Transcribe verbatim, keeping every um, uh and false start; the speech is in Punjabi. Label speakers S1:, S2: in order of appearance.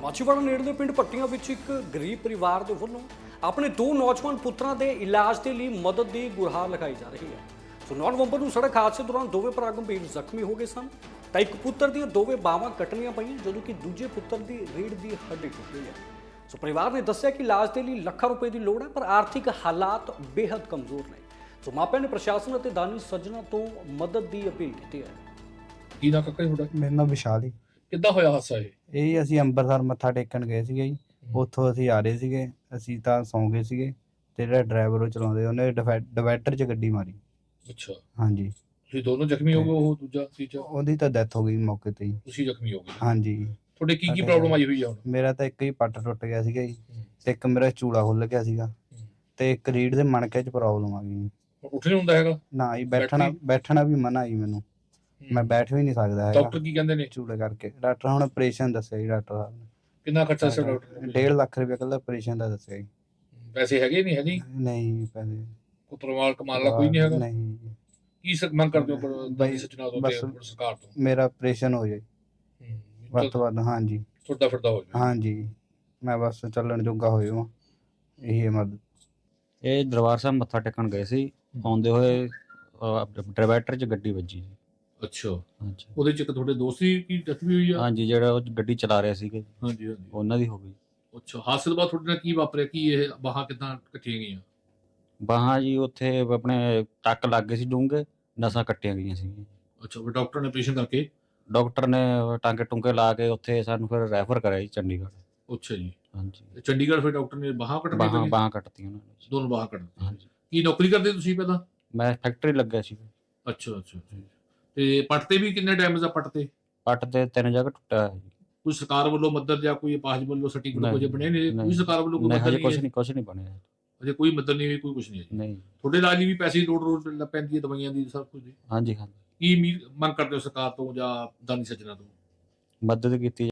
S1: ਮਾਛੀਵਾੜਾ ਨੇੜਲੇ ਪਿੰਡ ਭੱਟੀਆਂ ਵਿੱਚ ਇੱਕ ਗਰੀਬ ਪਰਿਵਾਰ ਦੇ ਵੱਲੋਂ ਆਪਣੇ ਦੋ ਨੌਜਵਾਨ ਪੁੱਤਰਾਂ ਦੇ ਇਲਾਜ ਦੇ ਲਈ ਮਦਦ ਦੀ ਗੁਹਾਰ ਲਗਾਈ ਜਾ ਰਹੀ ਹੈ। ਸੋ ਨੌਂ ਨਵੰਬਰ ਨੂੰ ਸੜਕ ਹਾਦਸੇ ਦੌਰਾਨ ਦੋਵੇਂ ਭਰਾ ਗੰਭੀਰ ਜ਼ਖਮੀ ਹੋ ਗਏ ਸਨ ਤਾਂ ਇੱਕ ਪੁੱਤਰ ਦੀਆਂ ਦੋਵੇਂ ਬਾਹਾਂ ਕੱਟਣੀਆਂ ਪਈਆਂ ਜਦੋਂ ਕਿ ਦੂਜੇ ਪੁੱਤਰ ਦੀ ਰੀੜ੍ਹ ਦੀ ਹੱਡੀ ਟੁੱਟ ਗਈ ਹੈ। ਸੋ ਪਰਿਵਾਰ ਨੇ ਦੱਸਿਆ ਕਿ ਇਲਾਜ ਦੇ ਲਈ ਲੱਖਾਂ ਰੁਪਏ ਦੀ ਲੋੜ ਹੈ ਪਰ ਆਰਥਿਕ ਹਾਲਾਤ ਬੇहद ਕਮਜ਼ੋਰ ਨੇ। ਸੋ ਮਾਪਿਆਂ ਨੇ ਪ੍ਰਸ਼ਾਸਨ ਅਤੇ ਦਾਨੀ ਸੱਜਣਾ ਤੋਂ ਮਦਦ ਦੀ ਅਪੀਲ ਕੀਤੀ ਹੈ।
S2: ਕੀ ਨਾ ਕਾਕਾ ਜੀ ਤੁਹਾਡਾ?
S3: ਮੇਰਾ ਨਾਮ ਵਿਸ਼ਾਲ ਜੀ।
S2: ਕਿੱਦਾਂ ਹੋਇਆ ਹਾਦਸਾ ਇਹ?
S3: ਇਹ ਜੀ ਅਸੀਂ ਅੰਮ੍ਰਿਤਸਰ ਮੱਥਾ ਟੇਕਣ ਗਏ ਸੀਗੇ ਜੀ। ਉੱਥੋਂ ਅਸੀਂ ਆ ਰਹੇ ਸੀਗੇ, ਅਸੀਂ ਤਾਂ ਸੌਂ ਗਏ ਸੀਗੇ ਤੇ ਜਿਹੜਾ ਡਰਾਈਵਰ ਉਹ ਚਲਾਉਂਦੇ ਉਹਨੇ ਡਿਵਾਈਡਰ 'ਚ ਗੱਡੀ ਮਾਰੀ।
S2: ਅੱਛਾ,
S3: ਹਾਂਜੀ,
S2: ਤੁਸੀਂ ਦੋਨੋਂ ਜ਼ਖਮੀ ਹੋ ਗਏ? ਉਹ ਦੂਜਾ ਤੀਜਾ?
S3: ਉਹਦੀ ਤਾਂ ਡੈਥ ਹੋ ਗਈ ਮੌਕੇ ਤੇ ਹੀ।
S2: ਤੁਸੀਂ ਜ਼ਖਮੀ ਹੋ ਗਏ?
S3: ਹਾਂਜੀ।
S2: ਤੁਹਾਡੇ ਕੀ ਕੀ ਪ੍ਰੋਬਲਮ ਆਈ ਹੋਈ ਆ ਹੁਣ?
S3: ਮੇਰਾ ਤਾਂ ਇੱਕ ਹੀ ਪੱਟ ਟੁੱਟ ਗਿਆ ਸੀਗਾ ਜੀ ਤੇ ਇੱਕ ਮੇਰਾ ਚੂਲਾ ਖੁੱਲ ਗਿਆ ਸੀਗਾ ਤੇ ਇੱਕ ਰੀੜ ਦੇ ਮਣਕੇ 'ਚ ਪ੍ਰੋਬਲਮ ਆ ਗਈ।
S2: ਉੱਠ ਨਹੀਂ ਹੁੰਦਾ ਹੈਗਾ?
S3: ਨਾ ਜੀ, ਬੈਠਣਾ ਬੈਠਣਾ ਵੀ ਮਨਾ ਜੀ ਮੈਨੂੰ, ਮੈਂ ਬੈਠ ਵੀ ਨਹੀਂ ਸਕਦਾ ਹੈਗਾ
S2: ਡਾਕਟਰ ਕੀ ਕਹਿੰਦੇ ਨੇ?
S3: ਚੂਲੇ ਕਰਕੇ। ਡਾਕਟਰ ਹੁਣ ਆਪਰੇਸ਼ਨ ਦੱਸਿਆ ਜੀ ਡਾਕਟਰ ਸਾਹਿਬ ਨੇ।
S2: ਕਿੰਨਾ ਖਰਚਾ ਸੀ ਡਾਕਟਰ ਨੇ?
S3: ਡੇਢ ਲੱਖ ਰੁਪਏ ਕੱਲਾ ਆਪਰੇਸ਼ਨ ਦਾ ਦੱਸਿਆ ਜੀ।
S2: ਪੈਸੇ ਹੈਗੇ ਨਹੀਂ? ਹੈ ਨਹੀਂ
S3: ਨਹੀਂ ਪੈਸੇ
S2: ਕੋਈ ਪਰਮਾਲ ਕਮਾਲ ਦਾ ਕੋਈ ਨਹੀਂ ਹੈਗਾ?
S3: ਨਹੀਂ,
S2: ਕੀ ਸ- ਮੰਗ ਕਰਦੇ ਹੋ ਦਾਨੀ ਸੱਜਣਾ ਤੋਂ ਤੇ
S3: ਬਸ-
S2: ਸਰਕਾਰ ਤੋਂ?
S3: ਮੇਰਾ ਆਪਰੇਸ਼ਨ ਹੋ ਜਾਏ ਵੱਧ ਤੋਂ ਵੱਧ। ਹਾਂਜੀ
S2: ਤੁਰਦਾ ਫਿਰਦਾ ਹੋ ਜਾਵੇ।
S3: ਹਾਂਜੀ, ਮੈਂ ਬਸ ਚੱਲਣ ਜੋਗਾ ਹੋ ਜਾਵਾਂ, ਇਹੀ ਹੈ ਮਦਦ।
S4: ਇਹ ਦਰਬਾਰ ਸਾਹਿਬ ਮੱਥਾ ਟੇਕਣ ਗਏ ਸੀ, ਆਉਂਦੇ ਹੋਏ ਡਿਵਾਈਡਰ 'ਚ ਗੱਡੀ ਵੱਜੀ ਜੀ।
S2: ਅੱਛਾ,
S4: ਹਾਂਜੀ
S2: ਉਹਦੇ ਚ ਇੱਕ ਤੁਹਾਡੇ ਦੋਸਤ ਦੀ ਕੀ ਡੈਥ ਵੀ ਹੋਈ ਆ?
S4: ਹਾਂਜੀ, ਜਿਹੜਾ ਉਹ ਗੱਡੀ ਚਲਾ ਰਹੇ ਸੀਗੇ
S2: ਹਾਂਜੀ ਹਾਂਜੀ।
S4: ਉਹਨਾਂ ਦੀ ਹੋ ਗਈ।
S2: ਅੱਛਾ, ਹਾਦਸੇ ਤੋਂ ਬਾਅਦ ਤੁਹਾਡੇ ਨਾਲ ਕੀ ਵਾਪਰਿਆ? ਕੀ ਇਹ ਬਾਹਾਂ ਕਿੱਦਾਂ ਕੱਟੀਆਂ ਗਈਆਂ?
S4: ਬਾਹਾਂ ਜੀ ਉੱਥੇ ਆਪਣੇ ਟੱਕ ਲੱਗ ਗਏ ਸੀ ਡੂੰਘੇ, ਨਸਾਂ ਕੱਟੀਆਂ ਗਈਆਂ ਸੀ।
S2: ਅੱਛਾ, ਫਿਰ ਡਾਕਟਰ ਨੇ ਆਪਰੇਸ਼ਨ ਕਰਕੇ?
S4: ਡਾਕਟਰ ਨੇ ਟਾਂਕੇ ਟੁੰਕੇ ਲਾ ਕੇ ਉੱਥੇ ਸਾਨੂੰ ਫਿਰ ਰੈਫਰ ਕਰਿਆ ਜੀ ਚੰਡੀਗੜ੍ਹ।
S2: ਅੱਛਾ ਜੀ।
S4: ਹਾਂਜੀ,
S2: ਤੇ ਚੰਡੀਗੜ੍ਹ ਫਿਰ ਡਾਕਟਰ ਨੇ ਬਾਹਾਂ ਕੱਟਣੀਆਂ
S4: ਬਾਹਾਂ
S2: ਪਈਆਂ?
S4: ਬਾਹਾਂ ਕੱਟਤੀਆਂ ਉਹਨਾਂ ਨੇ ਜੀ।
S2: ਦੋਨੋਂ ਬਾਹਾਂ ਕੱਟਣੀਆਂ।
S4: ਹਾਂਜੀ,
S2: ਕੀ ਨੌਕਰੀ ਕਰਦੇ ਤੁਸੀਂ ਪਹਿਲਾਂ?
S4: ਮੈਂ ਫੈਕਟਰੀ ਲੱਗਿਆ ਸੀ।
S2: ਅੱਛਾ ਅੱਛਾ ਅੱਛਾ। ਤੇ ਪੱਟ ਤੇ ਵੀ ਕਿੰਨੇ ਡੈਮੇਜ ਆ ਪੱਟ ਤੇ?
S4: ਪੱਟ ਤੇ ਤਿੰਨ ਜਗ੍ਹਾ ਟੁੱਟਿਆ ਹੋਇਆ ਜੀ।
S2: ਕੋਈ ਸਰਕਾਰ ਵੱਲੋਂ ਮਦਦ ਜਾਂ ਕੋਈ ਅਪਾਹਜ ਵੱਲੋਂ ਸਰਟੀਫਿਕੇਟ ਕੁਝ ਬਣੇ ਨੇ? ਕੋਈ
S4: ਨਹੀਂ,
S2: ਸਰਕਾਰ ਵੱਲੋਂ ਕੋਈ
S4: ਨਹੀਂ
S2: ਮਦਦ
S4: ਹਜੇ
S2: ਨਹੀਂ
S4: ਕੁਛ
S2: ਹੈ?
S4: ਨਹੀਂ ਕੁਛ ਨਹੀਂ ਬਣਿਆ
S2: ਅਜੇ ਕੋਈ ਮਦਦ ਨਹੀਂ ਹੋਈ, ਕੋਈ ਕੁਝ ਨਹੀਂ ਹੈ ਜੀ।
S4: ਨਹੀਂ।
S2: ਤੁਹਾਡੇ ਇਲਾਜ ਲਈ ਵੀ ਪੈਸੇ ਦੀ ਲੋੜ ਰੋਜ਼ ਲੱਗ ਪੈਂਦੀ ਹੈ, ਦਵਾਈਆਂ ਦੀ, ਸਭ ਕੁਝ ਦੀ।
S4: ਹਾਂਜੀ ਹਾਂਜੀ,
S2: ਕੀ ਉਮੀਦ ਮੰਗ ਕਰਦੇ ਹੋ ਸਰਕਾਰ ਤੋਂ ਜਾਂ ਦਾਨੀ ਸੱਜਣਾ ਤੋਂ?
S4: ਮਦਦ ਕੀਤੀ